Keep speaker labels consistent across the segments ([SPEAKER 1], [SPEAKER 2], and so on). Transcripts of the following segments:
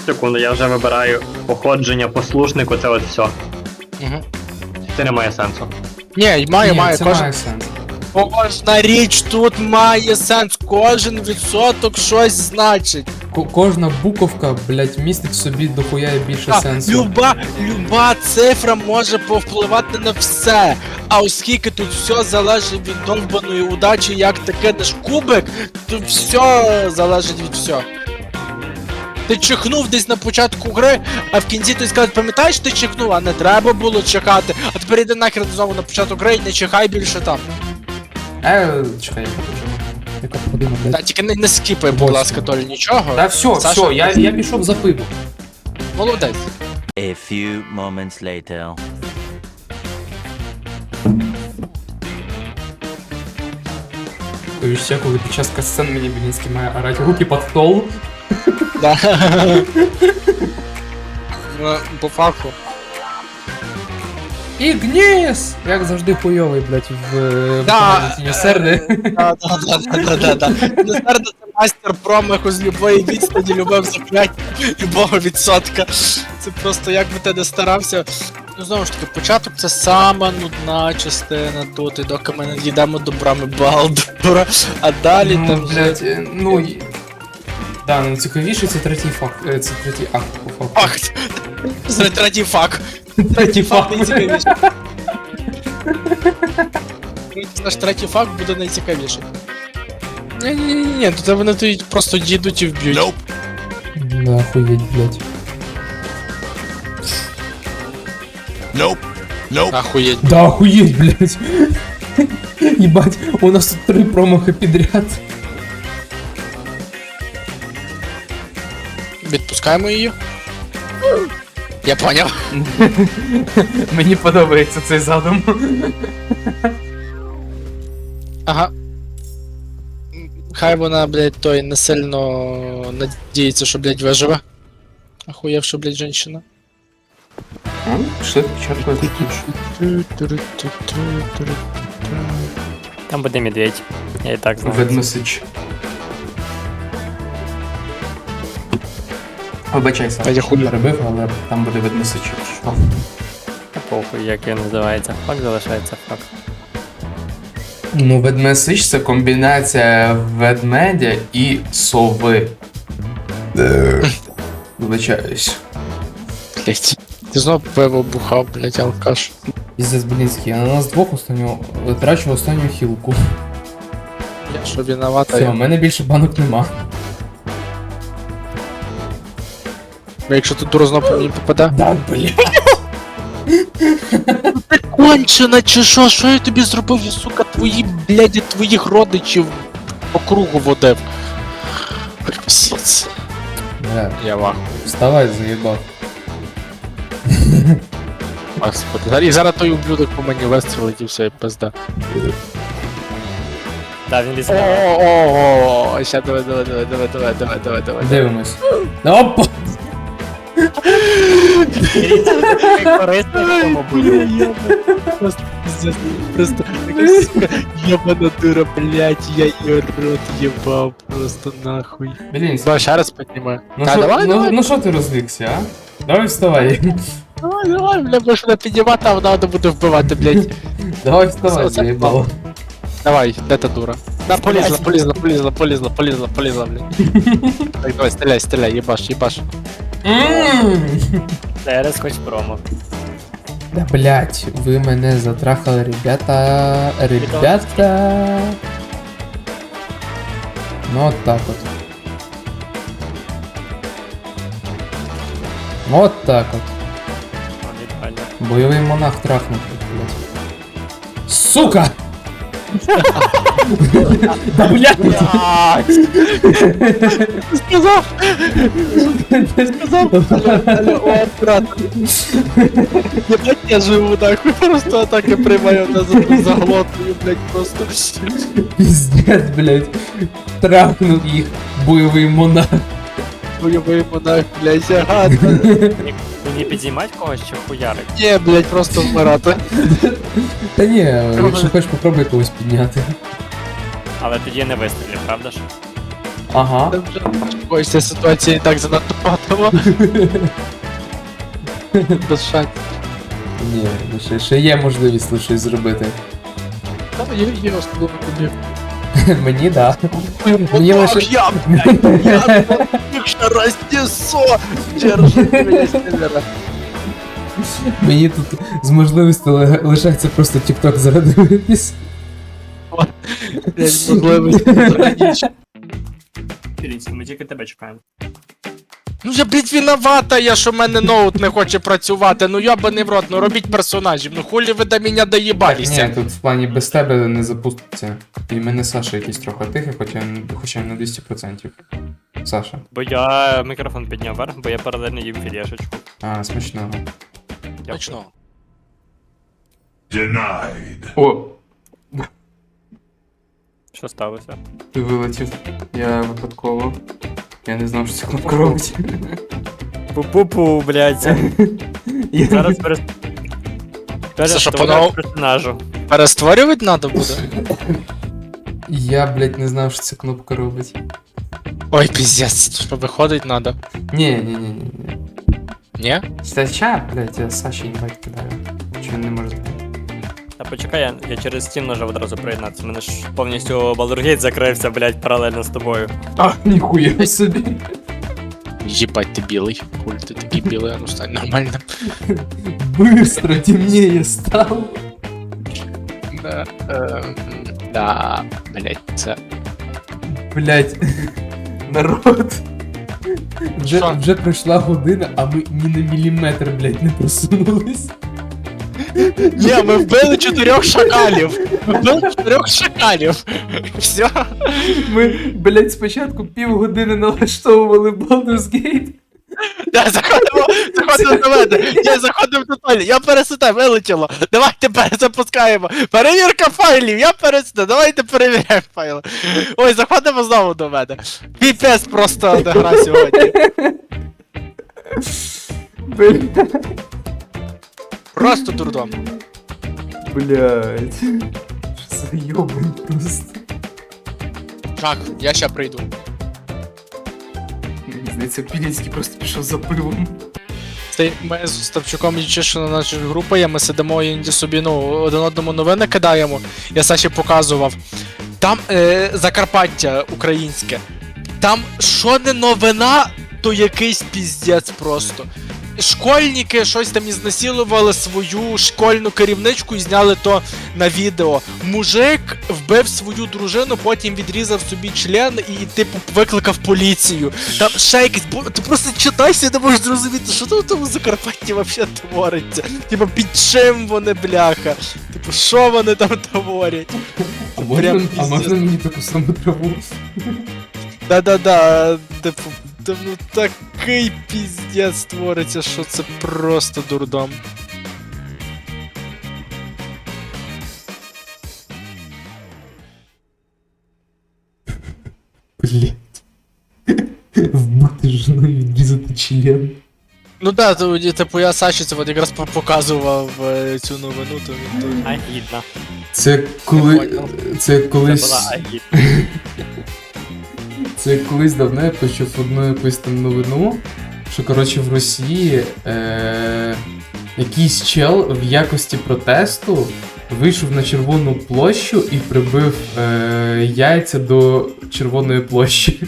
[SPEAKER 1] Секунду, я вже вибираю походження, послушнику, це от все.
[SPEAKER 2] Угу.
[SPEAKER 1] Це не має сенсу.
[SPEAKER 2] Ні, має,
[SPEAKER 3] це
[SPEAKER 2] кожен...
[SPEAKER 3] має сенс.
[SPEAKER 2] Кожна річ тут має сенс, кожен відсоток щось значить.
[SPEAKER 3] Кожна буковка, блядь, містить в собі дохуя і більше сенсу.
[SPEAKER 2] Люба цифра може повпливати на все. А оскільки тут все залежить від довбаної удачі, як ти кидаєш кубик, то все залежить від всього. Ти чихнув десь на початку гри, а в кінці ти сказав, пам'ятаєш, ти чихнув, а не треба було чекати. А тепер іди нахер знову на початок гри і не чихай більше там.
[SPEAKER 3] Чекай, я покажу. Яка година,
[SPEAKER 2] Та
[SPEAKER 3] блядь?
[SPEAKER 2] тільки не скіпай, будь
[SPEAKER 3] Восьма.
[SPEAKER 2] ласка, Толі, нічого.
[SPEAKER 3] Та все,
[SPEAKER 2] Саша,
[SPEAKER 3] я пішов за пиво.
[SPEAKER 2] Молодець.
[SPEAKER 4] A few moments later.
[SPEAKER 3] Ще коли під час касцен мені Білінський має орати руки під стол.
[SPEAKER 2] Да. Ну, по факту.
[SPEAKER 3] Ігніс! Як завжди хуйовий, блядь, в
[SPEAKER 2] Да.
[SPEAKER 3] серди.
[SPEAKER 2] Да. Несердо це майстер промаху з любої відстані, любив закляття, любого відсотка. Це просто як би ти не старався. Ну знову ж таки, початок це сама нудна частина тут, і доки ми не дійдемо до брами Балдура, а далі
[SPEAKER 3] Ну,
[SPEAKER 2] там вже...
[SPEAKER 3] блядь, да, найцікавіше це третій факт, це третій акт по факту.
[SPEAKER 2] Факт! Це третій факт.
[SPEAKER 3] Третій факт.
[SPEAKER 2] найцікавіший. Наш третій факт буде найцікавіший. Ні, тут вони тут просто дійдуть і вб'ють.
[SPEAKER 3] Да, охуєть, блядь.
[SPEAKER 2] Ахуєть.
[SPEAKER 3] Да, охуеть, блядь. Ебать, у нас тут 3 промахи підряд.
[SPEAKER 2] Відпускаємо її. Я поняв.
[SPEAKER 3] Мені подобається цей задум.
[SPEAKER 2] Ага. Хай вона, блядь, той не сильно надіється, що, блядь, виживе. Ахуєвша, блядь, женщина.
[SPEAKER 3] Пішли спочатку
[SPEAKER 1] Там буде медведь. Я і так знаю.
[SPEAKER 3] Ведмесич. Вибачайся,
[SPEAKER 2] Та я хуй.
[SPEAKER 3] перебив, але там буде ведмесич. Що?
[SPEAKER 1] Та похуй, як він називається. Факт залишається факт.
[SPEAKER 3] Ну, ведмесич це комбінація ведмедя і сови. Вибачаюсь.
[SPEAKER 2] Блядь. Ти знов пиво бухав, блядь, алкаш.
[SPEAKER 3] Іздес Белінський, а на нас двох витрачу останню хілку.
[SPEAKER 2] Я що виновата,
[SPEAKER 3] Все, у мене більше банок нема.
[SPEAKER 2] Якщо тут дура знов по мені попаде.
[SPEAKER 3] Да, бля.
[SPEAKER 2] Кончена чи що? Що я тобі зробив? Я, сука, твоїх родичів по кругу водив. Пісець.
[SPEAKER 3] Бля,
[SPEAKER 2] Я вах.
[SPEAKER 3] вставай, заїбав.
[SPEAKER 2] Господи. І зараз той ублюдок по мені вистрілить і все, і пизда.
[SPEAKER 1] Да, він лізе.
[SPEAKER 2] О, ща давай.
[SPEAKER 3] Дивимось. Опа!
[SPEAKER 1] Корисний в цьому бою.
[SPEAKER 2] Просто пиздец. Просто така, сука, єбана дура, блядь, я її рот єбав, просто нахуй.
[SPEAKER 3] Блін,
[SPEAKER 2] Давай ще раз піднімаю.
[SPEAKER 3] ну
[SPEAKER 2] Та,
[SPEAKER 3] що,
[SPEAKER 2] давай.
[SPEAKER 3] ну що ти розвікся, а? Давай вставай.
[SPEAKER 2] Давай, бля, будеш мене піднімати, а вона буде вбивати, блядь.
[SPEAKER 3] Давай вставай,
[SPEAKER 2] Це-
[SPEAKER 3] заїбало.
[SPEAKER 2] Давай, де та дура? Да, полізла, блядь. Так, давай, стріляй, єбаш.
[SPEAKER 1] Зараз хоч промо.
[SPEAKER 3] Да блять, ви мене затрахали, ребята. Ну от так от. Вот так от. Бойовий монах трахнув, блять. Сука! Да блять!
[SPEAKER 2] Сказав, о, брат. Єбать, я живу, нахуй, просто атаки приймаю на заглотую, блядь, просто.
[SPEAKER 3] Пиздец, блять. Трахнув їх бойовий монах.
[SPEAKER 2] Бойовий монах, блядь, ага.
[SPEAKER 1] Мені підіймать когось чи хуярик?
[SPEAKER 2] Ні, блядь, просто вмирати.
[SPEAKER 3] Та ні, якщо хочеш попробуй когось підняти.
[SPEAKER 1] Але тоді не вистрілів, правда ж?
[SPEAKER 3] Ага.
[SPEAKER 2] Ось ця ситуація і так занадто патова. Без шансів.
[SPEAKER 3] Ні, ну ще є можливість тут щось зробити.
[SPEAKER 2] Та є особливо тобі.
[SPEAKER 3] Мені, да. Мені лише...
[SPEAKER 2] Я, блядь, я ще рознесу! Держи мене, Стеллера.
[SPEAKER 3] Мені тут з можливістю лишається просто TikTok зарадитись.
[SPEAKER 2] Блядь, можливості трагічні.
[SPEAKER 1] Філінський, ми тільки тебе чекаємо.
[SPEAKER 2] Ну я, блядь, виновата я, що в мене ноут не хоче працювати. Ну йобаний в рот, ну робіть персонажів. Ну хулі ви до мене доїбалися.
[SPEAKER 3] Ні, тут в плані без тебе не запуститься. І в мене Саша якийсь трохи тихий, хоча на 200%. Саша.
[SPEAKER 1] Бо я мікрофон підняв вверх, бо я паралельно їм філешечку.
[SPEAKER 3] А, смачного.
[SPEAKER 2] Точно.
[SPEAKER 3] О,
[SPEAKER 1] Що сталося?
[SPEAKER 3] ти вилетів. Я випадково. Я не знав, що ця кнопка робить.
[SPEAKER 1] Пу-пу-пу, блядь. Зараз
[SPEAKER 2] Панове-
[SPEAKER 1] персонажу.
[SPEAKER 2] Перестворювати треба буде?
[SPEAKER 3] Я, блядь, не знав, що ця кнопка робить.
[SPEAKER 2] Ой, піздець, що виходить треба.
[SPEAKER 3] Ні.
[SPEAKER 2] Ні?
[SPEAKER 3] Стача, блядь, я Саші інвайт кидаю. Чи він не може знати?
[SPEAKER 1] Та почекай, я через Steam нажав одразу приєднатися. У мене ж повністю Baldur's Gate закрився, блядь, паралельно з тобою.
[SPEAKER 3] А, ніхуя собі.
[SPEAKER 2] Єбать, ти білий. Хуль ти такий білий, а ну стань нормально.
[SPEAKER 3] Быстро темнее стало.
[SPEAKER 2] Да, блять, це.
[SPEAKER 3] Блядь, народ.
[SPEAKER 2] Що?
[SPEAKER 3] Вже пройшла година, а ми ні на міліметр, блядь, не просунулись.
[SPEAKER 2] Ні, ми вбили 4 шакалів. Ми вбили 4 шакалів. Все.
[SPEAKER 3] Ми, блядь, спочатку півгодини налаштовували Baldur's Gate.
[SPEAKER 2] Я заходимо до мене. Я заходив до Толі. Я переситав, вилетіло. Давайте перезапускаємо. Перевірка файлів, я переситав. Давайте перевіряємо файли. Ой, заходимо знову до мене. Піпець просто не гра сьогодні. Просто дурдом.
[SPEAKER 3] Блядь. Що за йобань просто.
[SPEAKER 2] Так, я ще прийду.
[SPEAKER 3] Мені здається, Пілінський просто пішов за пивом.
[SPEAKER 2] Це ми з Ставчуком Ючишина наша група є, ми сидимо і іноді собі, ну, один одному новини кидаємо. Я Саші показував. Там Закарпаття українське. Там що не новина, то якийсь піздець просто. Школьники щось там ізнасилували свою школьну керівничку і зняли то на відео. Мужик вбив свою дружину, потім відрізав собі член і, типу, викликав поліцію. Там ще якийсь, ти просто читайся і не можеш зрозуміти, що там в тому Закарпатті взагалі твориться. Типу, під чим вони, бляха? Типу, що вони там творять?
[SPEAKER 3] А можна,
[SPEAKER 2] Прям
[SPEAKER 3] а можна мені таку саму траву?
[SPEAKER 2] Да-да-да, типу, ну такий піздець твориться, що це просто дурдом.
[SPEAKER 3] Блядь. Вбити жену і відрізати член.
[SPEAKER 2] Ну да, то, типу, я Саші це от якраз показував цю новину, то він то...
[SPEAKER 1] Агідна.
[SPEAKER 3] Це коли.
[SPEAKER 2] Я
[SPEAKER 3] Це
[SPEAKER 1] Це
[SPEAKER 3] колись.
[SPEAKER 1] була агідна.
[SPEAKER 3] Це колись давно я почув одну якусь там новину, що коротше в Росії якийсь чел в якості протесту вийшов на Червону площу і прибив яйця до Червоної площі.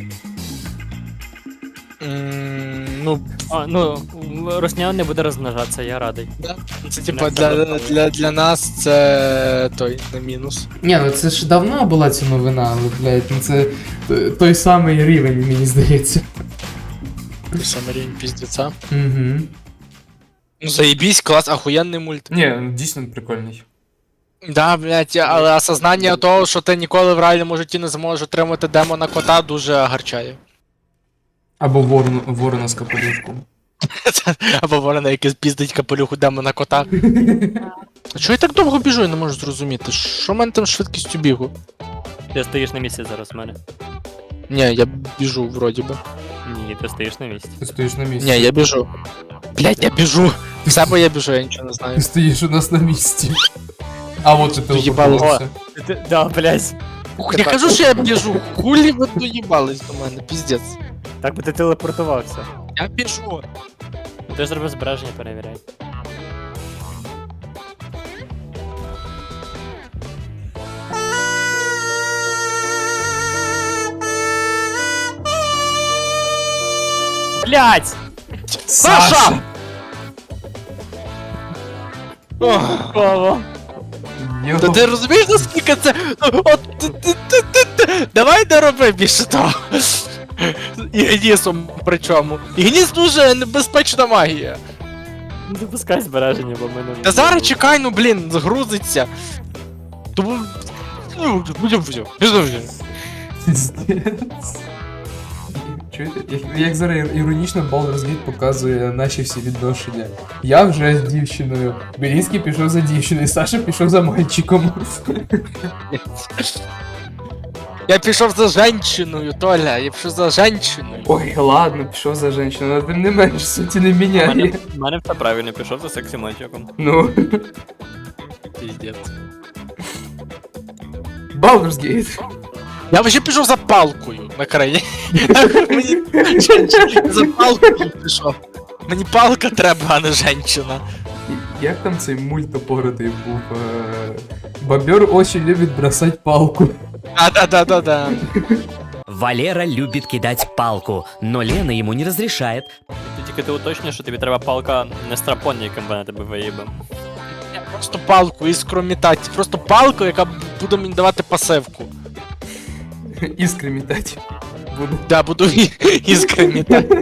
[SPEAKER 2] Ну,
[SPEAKER 1] Ну, Росня не буде розмножатися, я радий.
[SPEAKER 2] да. Це типа для нас це той не мінус.
[SPEAKER 3] Ні, ну це ж давно була ця новина, але, блядь, ну це той самий рівень, мені здається.
[SPEAKER 2] Саме рівень піздеця.
[SPEAKER 3] Угу.
[SPEAKER 2] Ну заєбісь, клас, ахуєнний мульт.
[SPEAKER 3] Ні, дійсно прикольний.
[SPEAKER 2] Да, блядь, але осознання того, що ти ніколи в реальному житті не зможеш отримати демона кота, дуже гарчає.
[SPEAKER 3] Або ворона з капелюшком.
[SPEAKER 2] Або ворона, який піздить капелюху демона кота. А чого я так довго біжу, я не можу зрозуміти. Що в мене там з швидкістю бігу?
[SPEAKER 1] Ти стоїш на місці зараз в мене.
[SPEAKER 2] Ні, я біжу, вроді би.
[SPEAKER 1] Ні, ти стоїш на місці.
[SPEAKER 3] Ти стоїш на місці.
[SPEAKER 2] Ні, я біжу. Блядь, я біжу. В себе я біжу, я нічого не знаю.
[SPEAKER 3] Ти стоїш у нас на місці. А от і ти
[SPEAKER 2] Їбало.
[SPEAKER 3] телепортувався.
[SPEAKER 1] Да, блядь.
[SPEAKER 2] Я кажу, що я біжу, хулі ви доїбались до мене, піздець.
[SPEAKER 1] Так би ти телепортувався.
[SPEAKER 2] Я біжу.
[SPEAKER 1] Ти ж зробив збереження, перевіряй. Блять!
[SPEAKER 2] Саша! Ох,
[SPEAKER 1] Кого?
[SPEAKER 3] Йо.
[SPEAKER 2] Та ти розумієш, наскільки це. От давай не роби більше того. І гнісом причому. І гніс дуже небезпечна магія.
[SPEAKER 1] Не допускай збереження, бо мене...
[SPEAKER 2] Та зараз чекай, ну блін, загрузиться. Тому. Ну, будемо вже.
[SPEAKER 3] Пиздец. Чуєте? Як зараз іронічно Baldur's Gate показує наші всі відношення. Я вже з дівчиною, Белінський пішов за дівчиною, Саша пішов за мальчиком.
[SPEAKER 2] Я пішов за женщиною, Толя, я пішов за женщиною.
[SPEAKER 3] Ой, ладно, пішов за жінкою, але тим не менш суті не міняє.
[SPEAKER 1] У мене все правильно, пішов за сексі мальчиком.
[SPEAKER 3] Ну,
[SPEAKER 2] Піздець.
[SPEAKER 3] Baldur's Gate.
[SPEAKER 2] Я вже пішов за палкою на краї. Мені за палкою пішов. Мені палка треба, а не женщина.
[SPEAKER 3] Як там цей мультопоротий був? Бобер очень любить бросать палку.
[SPEAKER 2] Да.
[SPEAKER 5] Валера любит кидать палку, но Лена ему не разрешает.
[SPEAKER 1] Тільки ти уточнюєш, що тобі треба палка не страпон, яким вона тебе виїбе.
[SPEAKER 2] Я просто палку, іскромітати. Просто палку, яка буде мені давати пасивку.
[SPEAKER 3] Іскри метать. Буду.
[SPEAKER 2] Да, буду іскромітати.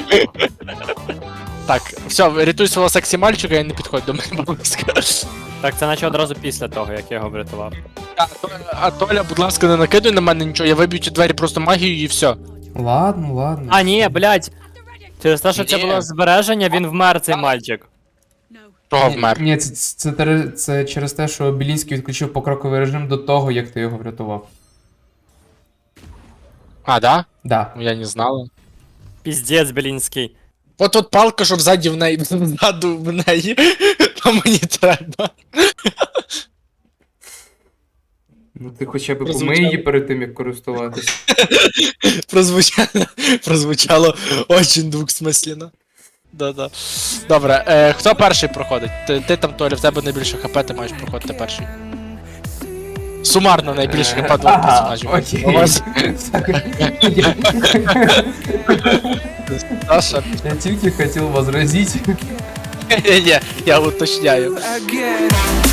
[SPEAKER 2] Так, все, рятуй свого сексі мальчика і не підходь до мене, будь ласка.
[SPEAKER 1] Так, це наче одразу після того, як я його врятував.
[SPEAKER 2] А Толя, будь ласка, не накидуй на мене нічого, я виб'ю ті двері просто магією і все.
[SPEAKER 3] Ладно.
[SPEAKER 1] А, ні, блядь! Через те, що це
[SPEAKER 2] Ні.
[SPEAKER 1] було збереження, він вмер, цей мальчик.
[SPEAKER 2] Того вмер.
[SPEAKER 3] Ні, це через те, що Білінський відключив покроковий режим до того, як ти його врятував.
[SPEAKER 2] А, да?
[SPEAKER 3] Да.
[SPEAKER 2] Ну, я не знала.
[SPEAKER 1] Піздець, Белінський.
[SPEAKER 2] От палка, щоб ззаді в неї, ззаду в неї, то мені треба.
[SPEAKER 3] Ну ти хоча б
[SPEAKER 2] Прозвучало.
[SPEAKER 3] помий її перед тим, як користуватись.
[SPEAKER 2] Прозвучало очень двухсмислено. Да. Добре, хто перший проходить? Ти там, Толя, в тебе найбільше хп, ти маєш проходити перший. Сумарно найбільше хп двох персонажів.
[SPEAKER 3] Окей.
[SPEAKER 2] У вас Саша.
[SPEAKER 3] Я тільки хотів возразити.
[SPEAKER 2] Ні, я уточняю.
[SPEAKER 6] again.